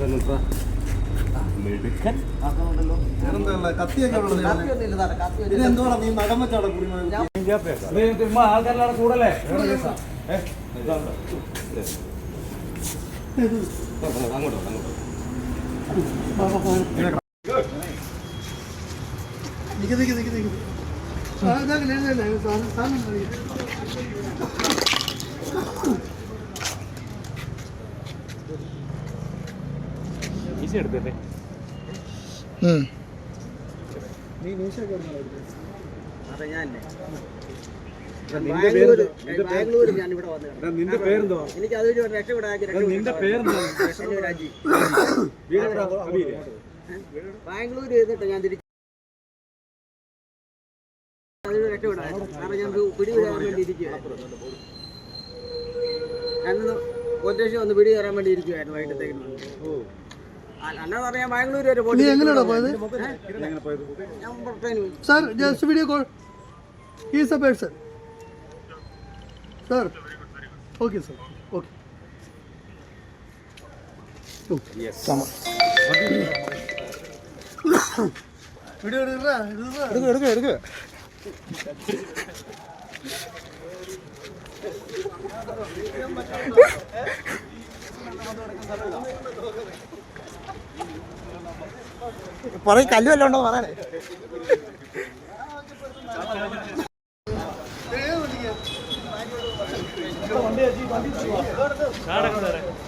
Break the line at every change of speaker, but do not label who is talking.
ആൾക്കാരെല്ലാം കൂടല്ലേ അങ്ങോട്ടോ ഈസി എടുത്തല്ലേ
ബാംഗ്ലൂർ ഞാൻ ഇവിടെ വന്നു.
നിന്റെ പേരെന്തോ?
എനിക്ക് അതൊരു രക്ഷപ്പെടാൻ.
നിന്റെ പേരെന്തോ?
ബാംഗ്ലൂർ ചെയ്തിട്ട് ഞാൻ തിരിച്ചു അതൊരു രക്ഷപ്പെടാൻ. കാരണം ഞാൻ പിടി കയറാൻ വേണ്ടി ഇരിക്കുകയായിരുന്നു. ഞാനൊന്ന് കൊറ്റേഷൻ ഒന്ന് പിടി കയറാൻ വേണ്ടി ഇരിക്കുവായിരുന്നു വൈകിട്ടത്തേക്ക്. അല്ലാതെ പറയാൻ ബാംഗ്ലൂർ വരെ പോയി.
Sir, just video call. He is a person. Sir. Okay, sir. Okay.
Yes.
Video എടുക്ക.
പറയും കല്ല് വല്ലതും ഉണ്ടോ പറയാനേ.
വണ്ടി